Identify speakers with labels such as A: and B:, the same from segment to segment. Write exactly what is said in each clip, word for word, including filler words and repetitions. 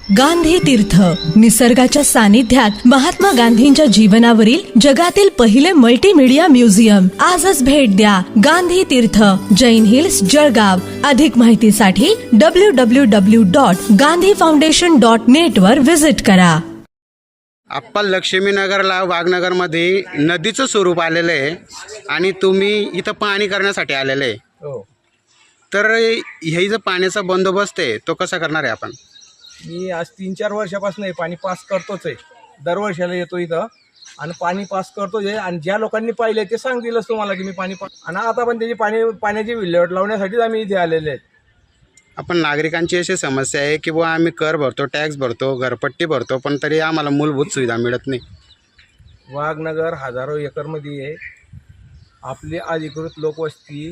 A: गांधी तीर्थ, निसर्गाच्या सानिध्यात महात्मा गांधींच्या जीवनावरील जगातील पहिले मल्टीमीडिया म्युझियम. आजच भेट द्या. गांधी तीर्थ, जैन हिल्स, जळगाव. अधिक माहितीसाठी W W W dot Gandhi foundation dot net वर व्हिजिट करा.
B: आप्पा, लक्ष्मीनगरला वाघनगरमध्ये नदीचं स्वरूप आलेलं आहे आणि तुम्ही इथं पाणी करण्यासाठी आलेले आहे.
C: हो,
B: तर हे जो पाण्याचा बंदोबस्त आहे तो कसा करणार आहे आपण?
C: मी आज तीन चार वर्षापासून हे पाणी पास करतोच आहे. दरवर्षाला येतो इथं आणि पाणी पास करतोच आहे. आणि ज्या लोकांनी पाहिले ते सांगतीलच तुम्हाला की मी पाणी पास. आणि आता पण त्याची पाणी पाण्याची विल्हेवाट लावण्यासाठीच आम्ही इथे आलेले आहेत.
B: आपण नागरिकांची अशी समस्या आहे की बुवा आम्ही कर भरतो, टॅक्स भरतो, घरपट्टी भरतो, पण तरी आम्हाला मूलभूत सुविधा मिळत नाही.
C: वाघनगर हजारो एकरमध्ये आहे. आपली अधिकृत लोकवस्ती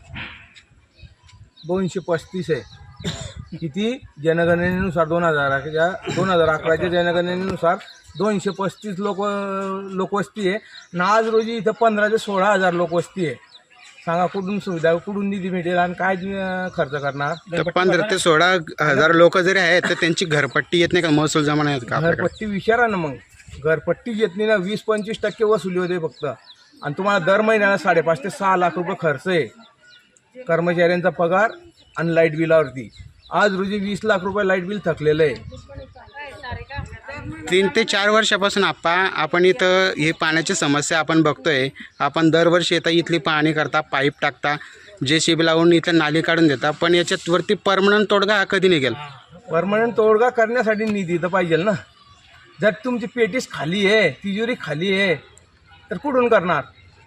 C: दोनशे पस्तीस आहे. किती? जनगणनेनुसार दोन हजाराच्या दोन हजार अकराच्या जनगणनेनुसार दोनशे पस्तीस लोक लोकवस्ती आहे. आणि आज रोजी इथं पंधरा ते सोळा हजार लोकवस्ती आहे. सांगा कुठून सुविधा, कुठून निधी मिळेल आणि काय खर्च करणार?
B: तर पंधरा ते सोळा हजार लोक जरी आहेत तर त्यांची घरपट्टी येत नाही का? महसूल जमा नाही होत का?
C: घरपट्टी विचारा ना. मग घरपट्टी येत नाही ना. वीस पंचवीस टक्के वसुली होते फक्त. आणि तुम्हाला दर महिन्याला साडेपाच ते सहा लाख रुपये खर्च आहे कर्मचाऱ्यांचा पगार आणि लाईट बिलावरती. आज रोजी वीस लाख रुपये लाईट बिल थकलेलं आहे.
B: तीन ते चार वर्षापासून आप्पा आपण इथं ही पाण्याची समस्या आपण बघतोय. आपण दरवर्षी येता, इथली पाणी करता, पाईप टाकता, जे सी बी लावून इथं नाली काढून देता, पण याच्यात वरती परमनंट तोडगा हा कधी निघेल?
C: परमनंट तोडगा करण्यासाठी निधी तर पाहिजे ना. जर तुमची पेटीस खाली आहे, तिजोरी खाली आहे, तर कुठून करणार?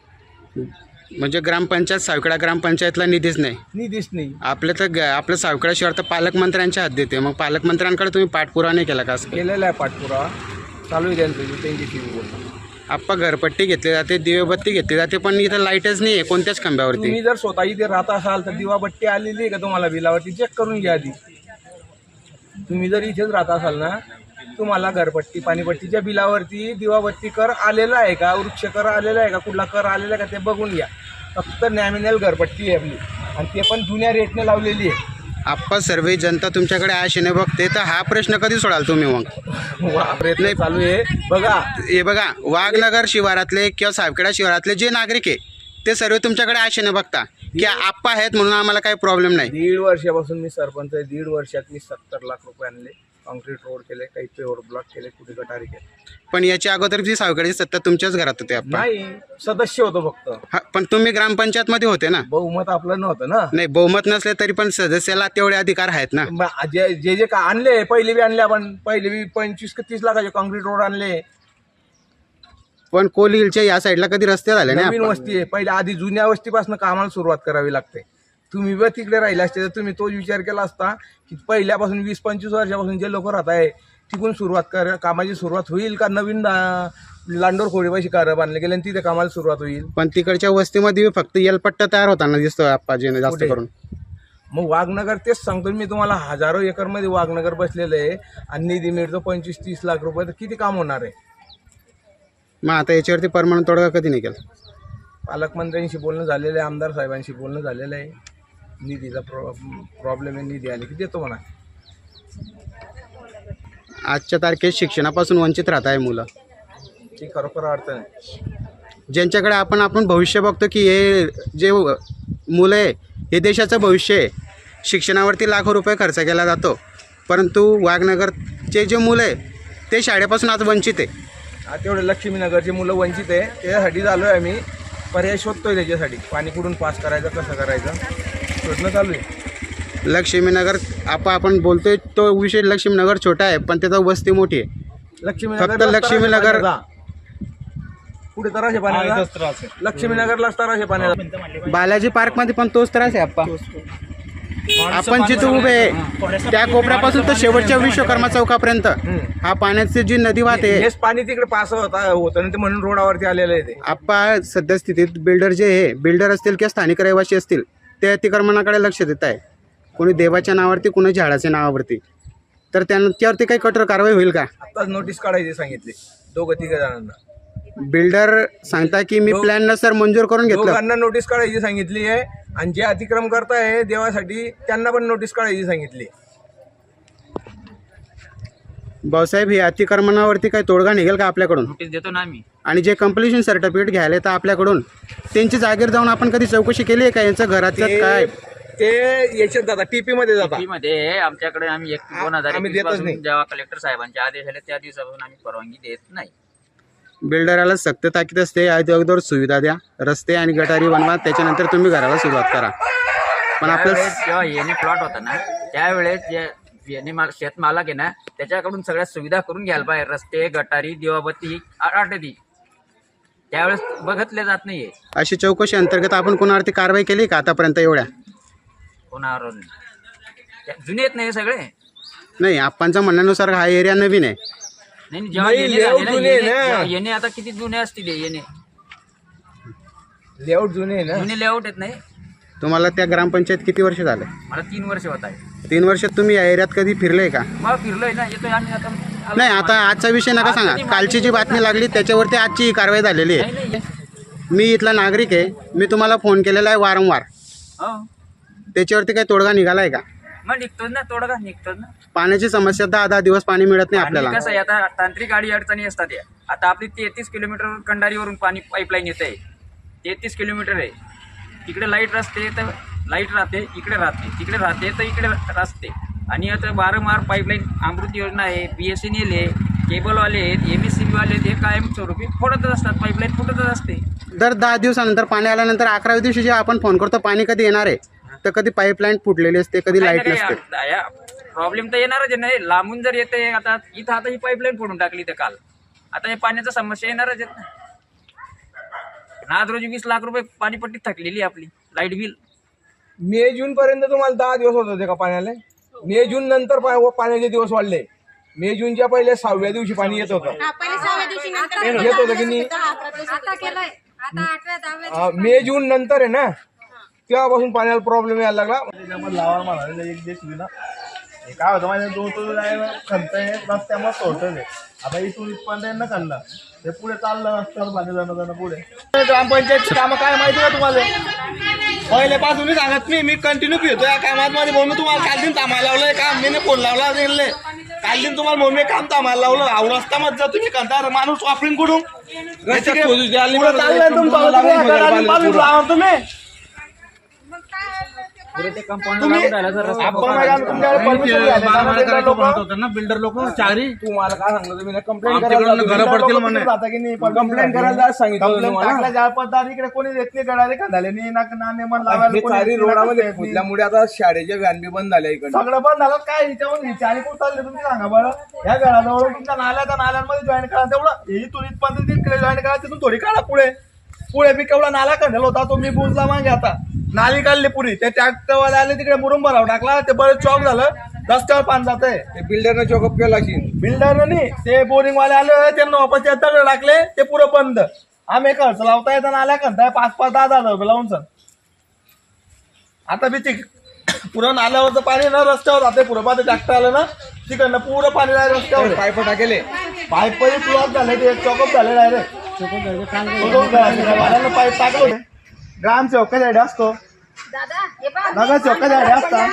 B: म्हणजे ग्रामपंचायत, सावखेडा ग्रामपंचायतला निधीच नाही.
C: निधीच नाही.
B: आपल्या तर आपल्या सावखेडा शहर तर पालकमंत्र्यांच्या हद्दीत आहे. मग पालकमंत्र्यांकडे तुम्ही पाठपुरावा नाही केला का? असं
C: केलेला आहे पाठपुरावा, चालू आहे त्यांचं, त्यांची
B: आप्पा घरपट्टी घेतली जाते, दिवेबत्ती घेतली जाते, पण इथं लाईटच नाही आहे कोणत्याच खांब्यावरती.
C: तुम्ही जर स्वतः इथे राहत असाल तर दिवाबत्ती आलेली आहे का तुम्हाला बिलावरती? चेक करून घ्या आधी. तुम्ही जर इथेच राहत असाल ना, तुम्हाला घरपट्टी पाणीपट्टीच्या बिलावरती दिवाबत्ती कर आलेला आहे का, वृक्ष कर आलेला आहे का, कुठला कर आलेला आहे का ते बघून घ्या. फक्त नॅमिनल घरपट्टी आहे आपली, आणि ते पण जुन्या रेटने लावलेली आहे.
B: आप्पा, सर्व जनता तुमच्याकडे आशेने बघते, तर हा प्रश्न कधी सोडाल तुम्ही? मग
C: प्रयत्न चालू आहे. बघा
B: हे बघा, वाघनगर शिवारातले किंवा सावखेडा शिवारातले जे नागरिक आहे ते सर्व तुमच्याकडे आशेने बघता की आप्पा आहेत म्हणून आम्हाला काही प्रॉब्लेम नाही.
C: दीड वर्षापासून मी सरपंच आहे. दीड वर्षात मी सत्तर लाख रुपये आणले, कॉन्क्रीट रोड केले, काही पेवर ब्लॉक केले, कुठे गटारी केले.
B: पण याच्या अगोदर जी सावखेडची सत्ता तुमच्याच घरात होते आप्पा?
C: नाही, सदस्य होतो फक्त.
B: हा, पण तुम्ही ग्रामपंचायत मध्ये होते ना?
C: बहुमत आपलं नव्हतं ना.
B: नाही, बहुमत नसले तरी पण सदस्याला तेवढे अधिकार आहेत ना.
C: मग जे जे जे का आणले, पहिले बी आणले आपण, पहिले बी पंचवीस ते तीस लाखाचे कॉन्क्रीट रोड आणले.
B: पण कोली हिलच्या या साईडला कधी रस्ते झाले नाही.
C: नवीन वस्ती आहे, पहिले आधी जुन्या वस्तीपासून कामाला सुरुवात करावी लागते. तुम्ही बी तिकडे राहिले असते तर तुम्ही तोच विचार केला असता की पहिल्यापासून वीस पंचवीस वर्षापासून जे लोक राहत आहे तिकडून सुरुवात कर, कामाची सुरुवात होईल का नवीन लांडोर खोडेपाशी कार बांधले गेले आणि तिथे कामाला सुरुवात होईल.
B: पण तिकडच्या वस्तीमध्ये फक्त येलपट्टा तयार होताना दिसतो आप्पाजीने जास्त करून.
C: मग वाघनगर, तेच सांगतो मी तुम्हाला, हजारो एकरमध्ये वाघनगर बसलेलं आहे आणि निधी मिळतो पंचवीस तीस लाख रुपये. तर किती काम होणार आहे?
B: मग आता याच्यावरती परमनंट तोडगा कधी निघेल?
C: पालकमंत्र्यांशी बोलणं झालेलं आहे, आमदार साहेबांशी बोलणं झालेलं आहे. निधीचा प्रॉ प्रॉब्लेम आहे, निधी आली की देतो म्हणा.
B: आजच्या तारखेत शिक्षणापासून वंचित राहत आहे मुलं.
C: ती खरोखर अडचण आहे.
B: ज्यांच्याकडे आपण आपण भविष्य बघतो की हे जे मुलं आहे हे देशाचं भविष्य आहे. शिक्षणावरती लाखो रुपये खर्च केला जातो, परंतु वाघनगरचे जे मुलं आहे ते शाळेपासून आज वंचित आहे.
C: तेवढे लक्ष्मीनगरची मुलं वंचित आहे. त्याच्यासाठी झालो आहे आम्ही, पर्याय शोधतोय त्याच्यासाठी. पाणी कुठून पास करायचं, कसं करायचं, शोधणं चालू आहे.
B: लक्ष्मीनगर आपण आपण बोलतोय तो विषय लक्ष्मीनगर छोटा आहे, पण त्याचा वस्ती मोठी आहे.
C: लक्ष्मीनगर
B: फक्त लक्ष्मीनगर
C: पुढे तराशे पाण्याचा, लक्ष्मीनगरलाच तराशे पाण्याचा.
B: बालाजी पार्क मध्ये पण तोच त्रास आहे आप्पा. आपण जिथं उभे आहे त्या कोपऱ्यापासून तर शेवटच्या विश्वकर्मा चौकापर्यंत हा पाण्याची जी नदी वाहते,
C: हेच पाणी तिकडे पास होता होतं ते म्हणून रोडावरती आलेलं आहे. ते
B: आप्पा सद्यस्थितीत बिल्डर जे आहे, बिल्डर असतील किंवा स्थानिक रहिवासी असतील, ते अतिक्रमणाकडे लक्ष देत आहे. कोणी देवाच्या नावावरती, कोणी झाडाच्या नावावरती. तर त्यांच्यावरती काही कठोर कारवाई होईल का?
C: आत्ताच नोटीस काढायची सांगितली दोघं तिघ जणांना.
B: बिल्डर सांगता की मी प्लॅन नसर मंजूर करून घेतलं.
C: दोघांना नोटीस काढायची सांगितली आहे आणि जे अतिक्रम करताय देवासाठी त्यांना पण नोटीस काढायची सांगितली.
B: भाऊसाहेब हे अतिक्रमणावरती काही तोडगा निघेल का आपल्याकडून?
D: नोटीस देतो ना आम्ही.
B: आणि जे कंप्लिशन सर्टिफिकेट घ्यायला येतं आपल्याकडून त्यांची जागेवर जाऊन आपण कधी चौकशी केली आहे का यांचं घराचं
C: ते-
B: काय?
C: ते याच्यात जातात टीपी मध्ये जातात.
D: टीपी मध्ये आमच्याकडे आम्ही एक दोन हजार
C: आम्ही
D: एकवीस
C: देतच
D: पासून
C: नाही.
D: जेव्हा कलेक्टर साहेबांचे आदेश आले त्या दिवसापासून आम्ही परवानगी देत नाही.
B: बिल्डराला सक्त ताकीद असते अगोदर सुविधा द्या, रस्ते आणि गटारी बनवा, त्याच्यानंतर तुम्ही घराला सुरुवात करा. पण आपलं
D: त्यावेळेस जेव्हा येणे प्लॉट होता ना त्यावेळेस जे येणे माल शेतमालक आहे ना त्याच्याकडून सगळ्या सुविधा करून घ्यायला पाहिजे. रस्ते, गटारी, दिवाबत्ती आटती त्यावेळेस बघतले जात नाहीये.
B: अशी चौकशी अंतर्गत आपण कोणावरती कारवाई केली का आतापर्यंत? एवढ्या
D: कोणावर त्या- जुने आहेत नाही सगळे.
B: नाही, आपणच्या म्हणण्यानुसार हा एरिया नवीन आहे.
D: नाही नाही, जेव्हा
C: नाही,
D: येणे
C: लेआउट
D: झाले ना,
C: जुने आहे
D: येणे-
C: ना.
D: जेव्हा येणे आता किती जुने असतील हे येणे
C: लेआउट जुने आहे ना.
D: जुने लेआउट आहेत नाही.
B: तुम्हाला त्या ग्रामपंचायत किती वर्ष झाले?
D: मला तीन वर्ष होत आहे.
B: तीन वर्षात तुम्ही या एरियात कधी फिरले का?
D: मग फिरलोय ना, येतोय आम्ही आता आलो.
B: नाही, आता आजचा विषय नका सांगा. कालची जी बातमी लागली त्याच्यावरती आजची ही कारवाई झालेली
D: नाही
B: आहे.
D: नाही
B: मी इथला नागरिक आहे, मी तुम्हाला फोन केलेला आहे वारंवार.
D: हो
B: त्याच्यावरती काही तोडगा निघाला आहे का?
D: मग निघतोच ना, तोडगा निघतोच ना.
B: पाण्याची समस्या दहा दहा दिवस पाणी मिळत नाही
D: आणि
B: आपल्याला.
D: कसं आहे आता तांत्रिक अडी अडचणी असतात या. आता आपली तेहतीस किलोमीटर कंडारीवरून पाणी पाईपलाईन येत आहे. तेहतीस किलोमीटर आहे. तिकडे लाईट रस्ते तर लाईट राहते, इकडे राहते, तिकडे राहते तर इकडे रस्ते. आणि आता वारंवार पाईपलाईन अमृत योजना आहे, बी एस एन एल आहे, केबलवाले आहेत, एम एस सी बीवाले आहेत, हे कायमस्वरूपी फोडतच असतात. पाईपलाईन फुटतच असते.
B: दर दहा दिवसानंतर पाणी आल्यानंतर अकराव्या दिवशी जेव्हा आपण फोन करतो पाणी कधी येणार आहे, तर कधी पाईपलाईन फुटलेली असते, कधी लाईट नसते.
D: प्रॉब्लेम तर येणारच आहे नाही. लांबून जर येते आता इथं आता ही पाईपलाईन फोडून टाकली तर काल आता हे पाण्याचा समस्या येणारच आहेत ना. आज रोजी वीस लाख रुपये पाणीपट्टी थकलेली आपली लाईट बिल.
C: मे जून पर्यंत तुम्हाला दहा दिवस होत होते का पाण्याला? मे जून नंतर पा- पाण्याचे दिवस वाढले. मे जूनच्या पहिले सहाव्या दिवशी पाणी येत होतं. येत होतं की नाही? हा, मे जून नंतर आहे ना तेव्हापासून पाण्याला प्रॉब्लेम यायला लागला.
E: त्याच्यामध्ये लावा म्हणाले एक दिवस विना हे काय होतं माझ्या दोन तो खंत आहे रस्त्यामध्ये सोडतं ते. आता इथून इथपर्यंत यांना खाल्लं ते पुढे चाललं रस्त्यावर पाणी जाणं जाणं पुढे. ग्रामपंचायतची कामं काय माहिती का तुम्हाला? पहिल्यापासूनच सांगत मी मी कंटिन्यू फिरतो या कामात मध्ये. म्हणून तुम्हाला काल दिन थांबायला लावलंय काम मी फोन लावला गेले काल दिन तुम्हाला म्हणून मी काम थांबायला लावलं. अहो रस्त्यामध्ये जा तुम्ही कंटाळ माणूस वापरून कुठून चाललंय तुमचं तुम्ही
C: बिल्डर लोक चारी तुम्हाला काय सांगतो तुम्ही कंप्लेंट करायला कंप्लेंट करायला सांगितलं.
E: इकडे कोणी देत नाही गडाले खांदाले नाही
C: रोडामध्ये फुटल्यामुळे आता शाळेच्या व्हॅन बी बंद झाल्या इकडे.
E: सगळं बंद झालं. काय हिच्यावर चारी कोण चालले तुम्ही सांगा बरं. या गडाजवळ तुमच्या नाल्या त्या नाल्यांमध्ये जॉईन करा तेवढं इथून इथपर्यंत तिकडे जॉईन करा तिथून थोडी काढा पुढे पुढे मी केवढा नाला काढलेला होता तो मी बुजला मागे. आता नाली काढली पुरी ते ट्रॅक्टरवाले आले तिकडे मुरुम भराव टाकला ते बरं चौक झालं रस्त्यावर पाणी जात आहे.
C: ते बिल्डरनं चोकअप केला असेल.
E: बिल्डर नाही ते बोरिंग वाले आले त्यांना वापस दगड टाकले ते पुरं बंद. आम्ही खर्च लावता येतं नाल्या करताय पाच पाच दहा दहा हजार रुपये लावून सर. आता बी ते पुरं नाल्यावरचं पाणी ना रस्त्यावर जाते पुरं पाहते ट्रॅक्टर आलं ना तिकडनं पुरं पाणी जाय रस्त्यावर.
C: पाईप टाकेले
E: पाईपही क्लॉक झाले ते चॉकअप झाले डायरेक्ट पाईप टाकलो. ग्राम चौकासाठी असतो नगर चौकासाठी असता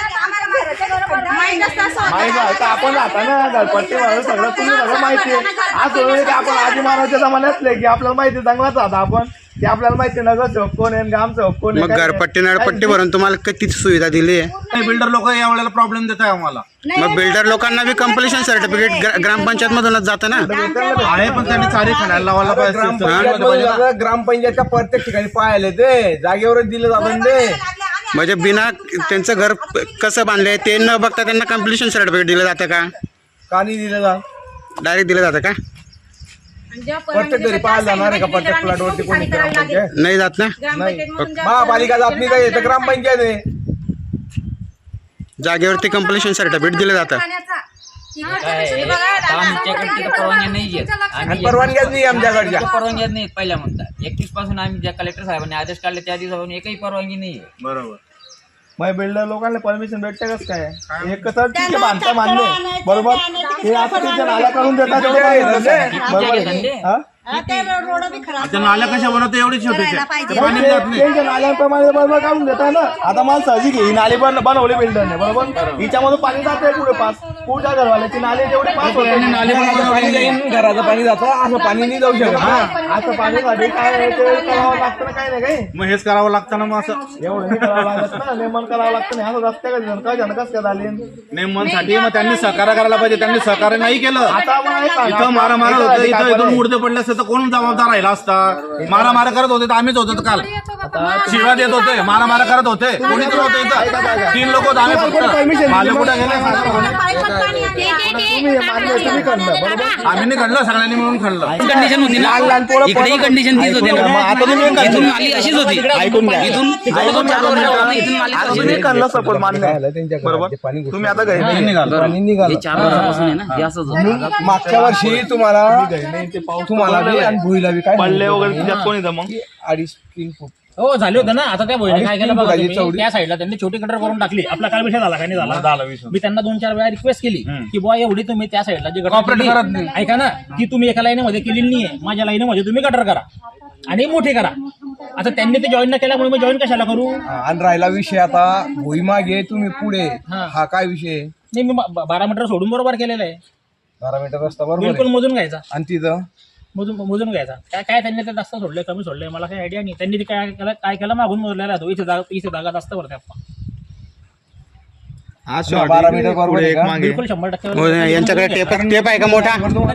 E: माहिती आहे आपण राहता ना गणपती सगळं तुम्ही सगळं माहिती आहे. आज सोडून की आपण आधी मानवाच्या जमान्यातले की आपल्याला माहिती चांगलाच राहता आपण की आपल्याला माहिती नगर चौक कोण आहे ग्राम चौक कोण
B: मग घरपट्टी नळपट्टी भरून तुम्हाला किती सुविधा दिली आहे?
E: बिल्डर लोक या वेळेला प्रॉब्लेम देत आहे आम्हाला.
B: मग बिल्डर लोकांना बी कंप्लिशन सर्टिफिकेट ग्रामपंचायत मधूनच जातं ना.
E: आहे पण त्यांनी चारी खाण्याला लावायला पाहिजे.
C: ग्रामपंचायत ग्रामपंचायतच्या प्रत्येक ठिकाणी पाहायला ते जागेवरच दिलं जातं ते.
B: म्हणजे बिना त्यांचं घर कसं बांधलंय ते न बघता त्यांना कंप्लिशन सर्टिफिकेट दिलं जातं का?
C: का नाही दिलं जात?
B: डायरेक्ट दिलं जातं का?
C: प्रत्येक घरी पाहायला जाणार आहे का प्रत्येक प्लॉटवरती कोणी ग्रामपंचायत?
B: नाही जात ना.
C: महापालिका जात नाही का येतं ग्रामपंचायत आहे.
B: जागेवरती कंप्लिशन सर्टिफिकेट दिलं जातं.
D: आमच्याकडे तिथं परवानगी नाही आहेत.
C: आणि परवानग्याच नाही आमच्याकडच्या.
D: परवानगी नाही पहिल्या म्हणतात. एकवीस पासून आम्ही ज्या कलेक्टर साहेबांनी आदेश काढले त्या दिवसापासून एकही परवानगी नाही आहे.
E: बरोबर. मग बिल्डर लोकांना परमिशन भेटते कसं काय? एक तर ठीक आहे बांधता मान्य बरोबर हे आता तुमच्या नाल्या काढून देतात
D: आमच्याकडे धंदे
E: हा
F: आता नाल्या कशा बनवते एवढी छोटीच्या ते पाणी जात नाही.
E: त्यांच्या नाल्यांप्रमाणे बरोबर काढून देताय ना. आता मला सहजी घे, ही नाली बन बनवली बिल्डरने बरोबर, हिच्यामधून पाणी जाते पुढे पास, पुढच्या घरवाल्याची नाली जेवढी पास होते
C: नाली पाणी जाईन, घराचं पाणी जातं, असं पाणी नाही जाऊ शकत.
E: हा, असं पाणीसाठी काय आहे ते करावं लागतं ना, काही नाही काही
F: मग हेच करावं लागतं ना मग असं
E: एवढं नाही करावं लागत ना, नेमन करावं लागतं नाही. असं रस्त्या का जनका जनकाच का झाली.
F: नेमसाठी मग त्यांनी सहकार्य करायला पाहिजे, त्यांनी सहकार्य नाही केलं.
E: आता आपण एक सांगा,
F: इथं मारा मारा होतं,
E: काय
F: इथं
E: बरं
F: इथून
E: आहे?
F: मुर्दे पडले असते तर कोण जबाबदार राहिला असता. मारा मारा करत होते तर आम्हीच होतो तर काल शिव्या देत होते, मारा मारा करत होते, कोणी तर होतं इथं. तीन लोक होते, आम्ही फक्त माले कुठे गेले
E: तुम्ही हे मान्य आहे, तुम्ही करणं बरोबर.
F: आम्ही नाही काढलं, सगळ्यांनी मिळून खाल्लं.
G: कंडिशन होती ना,
E: लहान लहान पोरं
G: इकडेही
E: पळत-
G: कंडिशन तीच होती
E: ऐकून घ्या, मग आता तुम्ही
G: ना.
E: काय
G: इथून
E: करणार?
G: नाली अशीच होती,
E: ऐकून घ्या.
G: इथून जवळजवळ चार वर्ष झालं इथून नाली
E: आता
G: अशीच
E: तुम्ही
G: होती.
E: करणं सपोर्ट मान्य आहे. बरोबर तुम्ही आता घरी नाही निघाल.
C: पाणी निघालं.
G: हे चार वर्षापासून आहे ना, हे असंच होतं.
C: मागच्या वर्षी तुम्हाला तुम्हाला बी आणि भुईला बी काय
E: पडले वगैरे तिच्यात कोणी मग
C: अडीच तीन फूट
H: हो झाले होते ना. आता त्या बहिणी काय केलं बघा
C: फुटाची
H: तुम्ही,
C: चौडी.
H: त्या साईडला त्यांनी छोटी कटर करून टाकली. आपला काल विषय झाला काय नाही झाला, मी त्यांना दोन चार वेळा रिक्वेस्ट केली की बुवा एवढी तुम्ही त्या साईडला जी गटर
F: Cooperate
H: केली,
F: करत नाही.
H: ऐका ना, ती तुम्ही एका लाईनीमध्ये केलेली नाहीये, माझ्या लाईनीमध्ये तुम्ही गटर करा आणि मोठी करा. आता त्यांनी ते जॉईन न केल्यामुळे मी जॉईन कशाला करू?
C: आणि राहिला विषय आता भुई मागे तुम्ही पुढे
H: हा.
C: हा काय विषय
H: नाही, मी बा- बारा मीटर सोडून बरोबर केलेलं आहे,
C: बारा मीटर रस्ता बरोबर
H: बिलकुल
C: आहे.
H: मोजून घ्यायचा,
C: आणि तिथं
H: मोजून मोजून घ्यायचा. काय काय त्यांनी ते जास्त सोडले कमी सोडले मला काही आयडिया नाही. त्यांनी ते काय केलं काय केलं मागून मोजलेला आहे तो. इथे जागा इथे जागा जास्त भरते आपण,
B: हा
C: बारा मीटर बरोबर आहे का?
H: बिलकुल शंभर टक्के
B: हो, यांच्याकडे टेप टेप आहे का मोठा?